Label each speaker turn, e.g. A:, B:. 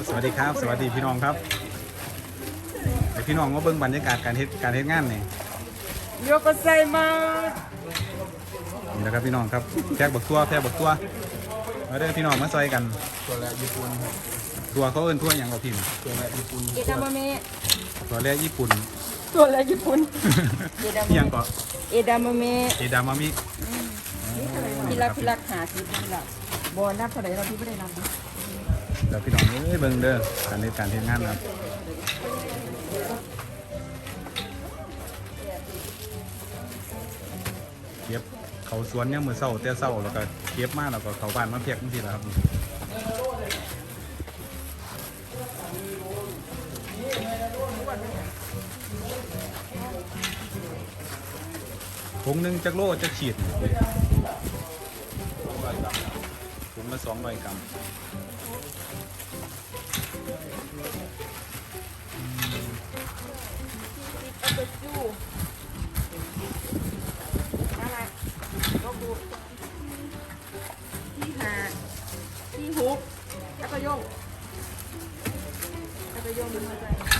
A: สวัสดีครับสวัสดีพี่น้องครับไอพี่น้องมาเบิ่งบรรยากาศการเฮ็ดงานนี่
B: โยกไซมา
A: นี่นะครับพี่น้องครับแพกบักตัวมาเด้อพี่น้องมาซอยกัน
C: ตัวแรกญี่ปุ่นครับ
A: ตัวเขาเอิ้นตัวอย่างเราพิมพ์
C: ตัวแรกญี่ปุ่น
B: เอดามเมะ
A: ตัวแรกญี่ปุ่น
B: ตัวอะไรญี่ปุ่น
A: เอียงก็
B: เอดามเมะ
A: เอดามามิ
B: พี่รักหาซื้อพี่รักบอลนับเท่าไหร่เราพี่ไม่ได้นับ
A: เดี๋ยวพี่น้องเอ้ยเบิ่งเด้อการเฮ็ดงานนะครับเก็บเขาสวนเนี่ยมือเศร้าแต่เศร้าแล้วก็เก็บมาแล้วก็เขาบ้านมาเพียกจังซี่ล่ะครับถุงหนึงจักโลจักขีดถุงละ200 กรัม
B: ที่หาที่ฮุกแล้วก็โยงดึงมาใจ